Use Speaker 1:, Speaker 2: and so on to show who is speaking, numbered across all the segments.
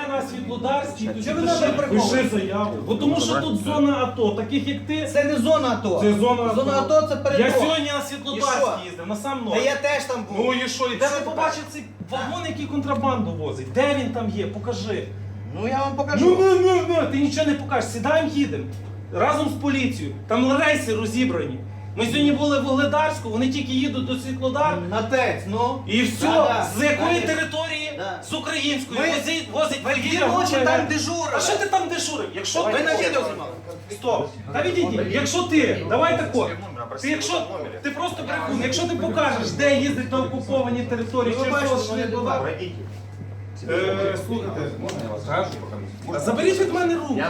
Speaker 1: на Світлодарській, то
Speaker 2: Чого ви нас приховуєте?
Speaker 1: пиши заяву. Бо тому що тут зона АТО, таких як ти.
Speaker 2: Це не зона АТО.
Speaker 1: Це зона АТО.
Speaker 2: Зона АТО це передок.
Speaker 1: Я сьогодні на
Speaker 2: І що?
Speaker 1: Світлодарській їздив, на сам
Speaker 2: Та
Speaker 1: ноль.
Speaker 2: я теж там був.
Speaker 1: Ну і що? І
Speaker 2: Що
Speaker 1: де ви
Speaker 2: тепер?
Speaker 1: побачив цей вагон, який контрабанду возить? Де він там є? Покажи.
Speaker 2: Ну я вам покажу.
Speaker 1: Ну, ти нічого не покажеш. Сідаємо, їдемо. Разом з поліцією. Там рейси розібрані. Ми сьогодні були в Вугледарську, вони тільки їдуть до Світлодар.
Speaker 2: На ТЕЦ, ну.
Speaker 1: І все,
Speaker 2: Да,
Speaker 1: з якої
Speaker 2: да.
Speaker 1: території?
Speaker 2: Да.
Speaker 1: З української.
Speaker 2: Ми-
Speaker 1: Возить
Speaker 2: Ви
Speaker 1: вугілля,
Speaker 2: дві ночі
Speaker 1: гуляє.
Speaker 2: там дежурили.
Speaker 1: А що ти там дежурив? Якщо
Speaker 2: Ви
Speaker 1: ти...
Speaker 2: на відео знімали.
Speaker 1: Стоп. Та відійди. Якщо ти, давай тако. Ти просто брехун. Якщо ти покажеш, де їздить на окуповані території,
Speaker 2: Ви
Speaker 1: через
Speaker 2: бачите,
Speaker 1: того,
Speaker 2: що
Speaker 1: що
Speaker 2: я
Speaker 1: не
Speaker 2: тут
Speaker 1: була. Слухайте, заберіть від мене руки.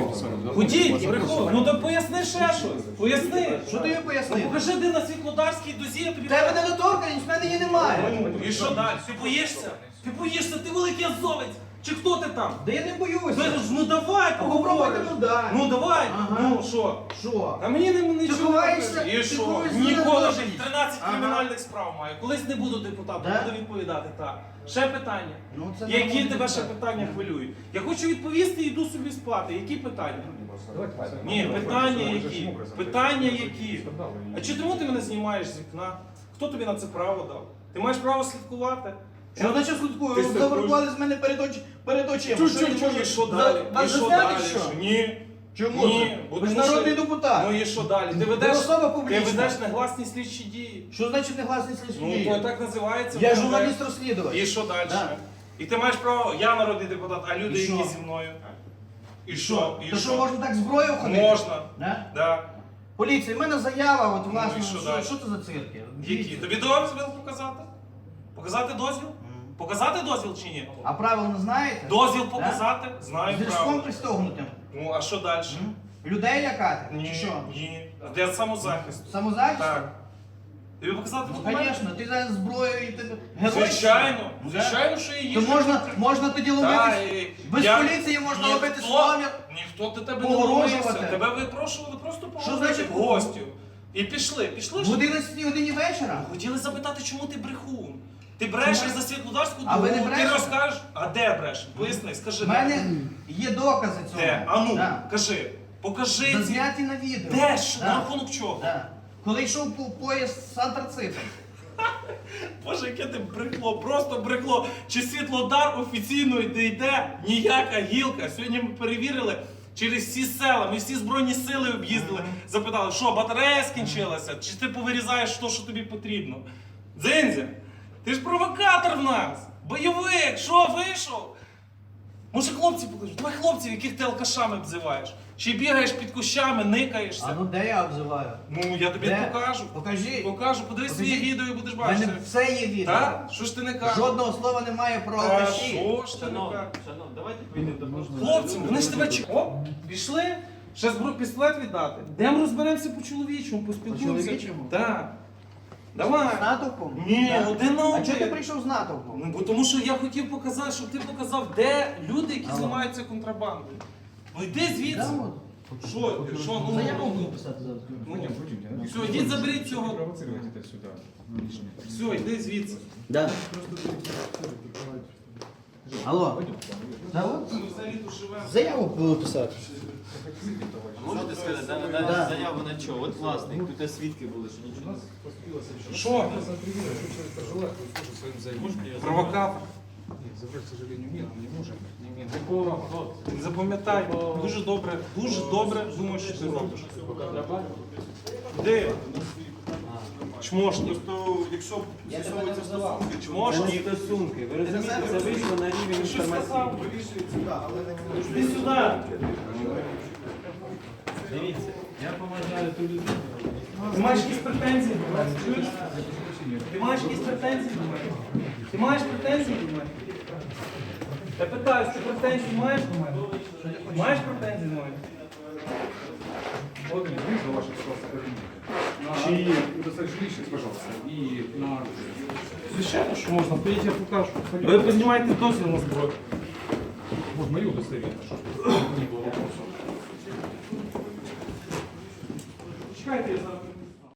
Speaker 1: Ходіть, брехун. Ну то поясни ще щось. Поясни.
Speaker 2: Що ти їй
Speaker 1: Ну
Speaker 2: пояснив?
Speaker 1: покажи, де на Світлодарській дозі, я тобі...
Speaker 2: Тебе недоторканість, в мене її немає.
Speaker 1: Ну, і що далі? Ти боїшся? Ти боїшся, ти великий азовець. Чи хто ти там?
Speaker 2: Да я не боюся.
Speaker 1: Ну давай,
Speaker 2: А попробуйте,
Speaker 1: поговориш.
Speaker 2: ну да.
Speaker 1: Ну давай,
Speaker 2: Ага.
Speaker 1: ну що?
Speaker 2: Що?
Speaker 1: А мені нічого
Speaker 2: ховаєшся?
Speaker 1: не кажеш. І
Speaker 2: Ти
Speaker 1: що?
Speaker 2: ховаєшся
Speaker 1: Ніколи
Speaker 2: на
Speaker 1: вже
Speaker 2: дорозі.
Speaker 1: 13
Speaker 2: Ага.
Speaker 1: кримінальних справ маю. Колись не буду депутатом,
Speaker 2: Да?
Speaker 1: буду відповідати так. Ще питання.
Speaker 2: Ну, це
Speaker 1: Які
Speaker 2: нормально.
Speaker 1: тебе ще питання хвилюють? Я хочу відповісти і йду собі спати. Які питання? Ні, питання які? Питання які? А чому ти мене знімаєш з вікна? Хто тобі на це право дав? Ти маєш право слідкувати?
Speaker 2: Що значить слідкую?
Speaker 1: Ти
Speaker 2: Ви
Speaker 1: слідкуєш?
Speaker 2: завербували з мене перед очима.
Speaker 1: Чуть-чуть, і що далі?
Speaker 2: Вас
Speaker 1: І що
Speaker 2: засняти,
Speaker 1: далі?
Speaker 2: що?
Speaker 1: Ні.
Speaker 2: Чому
Speaker 1: Ні.
Speaker 2: це? Ви ж народний депутат.
Speaker 1: Ну і що далі? Ти
Speaker 2: Ви
Speaker 1: ведеш,
Speaker 2: особа
Speaker 1: ти
Speaker 2: публічна.
Speaker 1: ведеш негласні слідчі дії.
Speaker 2: Що значить негласний
Speaker 1: Ну,
Speaker 2: слідчий?
Speaker 1: то так називається.
Speaker 2: Я
Speaker 1: ВКВ.
Speaker 2: журналіст-розслідувач.
Speaker 1: І що далі?
Speaker 2: Да.
Speaker 1: І ти маєш право, я народний депутат, а люди,
Speaker 2: І що?
Speaker 1: які зі мною. І що? І
Speaker 2: То що, можна так зброю ходити?
Speaker 1: Можна.
Speaker 2: Да?
Speaker 1: Да.
Speaker 2: Поліція, в мене заява, от власне,
Speaker 1: Ну, і що
Speaker 2: що,
Speaker 1: далі?
Speaker 2: що це за цирки?
Speaker 1: Які? Тобі дозвіл показати? Показати дозвіл? Показати дозвіл чи ні?
Speaker 2: А правила не знаєте?
Speaker 1: Дозвіл показати? Знаю
Speaker 2: З різком
Speaker 1: право.
Speaker 2: пристогнутим.
Speaker 1: Ну, а що далі?
Speaker 2: Людей лякати?
Speaker 1: Ні,
Speaker 2: Чи що?
Speaker 1: ні. Для самозахисту.
Speaker 2: Самозахист?
Speaker 1: Так. Тобі показати
Speaker 2: Ну,
Speaker 1: документи?
Speaker 2: звісно, ти зараз зброєю і ти герой.
Speaker 1: Звичайно.
Speaker 2: Ну,
Speaker 1: Звичайно, що і є.
Speaker 2: То можна тоді
Speaker 1: Та,
Speaker 2: ловити.
Speaker 1: і
Speaker 2: Без
Speaker 1: я-
Speaker 2: поліції можна
Speaker 1: ніхто-
Speaker 2: ловити сломір.
Speaker 1: Ніхто до тебе не
Speaker 2: Погрожувати.
Speaker 1: ловився. Тебе випрошували просто
Speaker 2: Що
Speaker 1: поговорити
Speaker 2: значить
Speaker 1: в гостю. І пішли. Пішли
Speaker 2: В
Speaker 1: ж.
Speaker 2: 11 годині вечора?
Speaker 1: Хотіли запитати, чому ти брехун? Ти брешеш
Speaker 2: Чому?
Speaker 1: за Світлодарську
Speaker 2: А ви не
Speaker 1: дорогу, ти
Speaker 2: брешете?
Speaker 1: розкажеш, а де бреш? Поясни, скажи.
Speaker 2: У мене є докази цього.
Speaker 1: Де? А ну,
Speaker 2: Да.
Speaker 1: кажи. Покажи ці.
Speaker 2: Зазняті на відео.
Speaker 1: Де ж?
Speaker 2: Да.
Speaker 1: На рахунок чого?
Speaker 2: Да. Коли йшов по поїзд з антрацитом.
Speaker 1: Боже, яке ти брехло, просто брехло. Чи Світлодар офіційно йде ніяка гілка. Сьогодні ми перевірили через всі села, ми всі Збройні сили об'їздили, запитали, що батарея скінчилася, чи ти повирізаєш те, що тобі потрібно. Дзиндзя, ти ж провокатор в нас, бойовик, що вийшов? Може хлопці покажуть, давай хлопців, яких ти алкашами обзиваєш. Чи бігаєш під кущами, никаєшся.
Speaker 2: А ну де я обзиваю?
Speaker 1: Ну, я тобі
Speaker 2: Де?
Speaker 1: покажу.
Speaker 2: Покажи.
Speaker 1: Покажу, подивись своє
Speaker 2: Покажи.
Speaker 1: відео і будеш
Speaker 2: У
Speaker 1: бачити.
Speaker 2: мене все є відео.
Speaker 1: Так? Що ж ти не кажеш?
Speaker 2: Жодного слова немає про
Speaker 1: А
Speaker 2: алкаші.
Speaker 1: що ж ти не
Speaker 3: Шановні,
Speaker 1: кажеш?
Speaker 3: давайте прийдемо до
Speaker 1: Хлопці, вони ж тебе чекають. О, пішли? Ще пістолет віддати. Йдемо розберемося по-чоловічому, поспілкуємося.
Speaker 2: По-чоловічому?
Speaker 1: Так. Давай.
Speaker 2: З натовпом?
Speaker 1: Ні,
Speaker 2: Так.
Speaker 1: один на
Speaker 2: А
Speaker 1: один.
Speaker 2: чого ти прийшов з натовпом?
Speaker 1: Ну, бо тому що я хотів показати, щоб ти показав, де люди, які
Speaker 2: Алло.
Speaker 1: займаються контрабандою. Ну йди звідси.
Speaker 2: Да, от.
Speaker 1: Що? Що? Ну,
Speaker 2: Заяву
Speaker 1: ну,
Speaker 2: буду писати зараз.
Speaker 1: Все, йдіть заберіть цього.
Speaker 4: Провоцировать это сюда.
Speaker 1: Все, йди звідси.
Speaker 2: Да. Алло. Да, от.
Speaker 1: Ми взагалі тут живемо.
Speaker 2: Заяву буду писати.
Speaker 3: Можете сказати,
Speaker 2: Да.
Speaker 3: заяву на чого? От власник, тут свідки були, що нічого не
Speaker 1: Що?
Speaker 4: Можете
Speaker 1: Провокатор.
Speaker 4: Нет, забрать, к сожалению, нет, мы не можем. Не имеем
Speaker 3: Такого,
Speaker 4: права.
Speaker 3: от,
Speaker 1: Запам'ятай, дуже добре думаєш, що ти робиш. Де? Чмошник.
Speaker 5: Якщо
Speaker 2: Я тебе не називав.
Speaker 1: Чмошник.
Speaker 3: стосунки. Ви розумієте, це вийшло на рівень
Speaker 1: Що
Speaker 3: інформації.
Speaker 1: сказав? Іди сюди.
Speaker 3: Дивіться, я поважаю ту людину.
Speaker 1: Ти маєш якісь претензії до мене? Чуєш? Ти маєш якісь претензії до мене? Ти маєш претензії до мене? Я питаю, ти претензії маєш до мене? Маєш претензії до мене?
Speaker 4: Вот они, вызвал ваши кабинет. И достаточно личность, пожалуйста. И на...
Speaker 1: Звичайно, що можна. Поїдь, я покажу. Ви піднімаєте дозвіл на зброю.
Speaker 4: Вот мое удостоверение, чтобы не было вопросов.
Speaker 1: Чекайте, я зараз.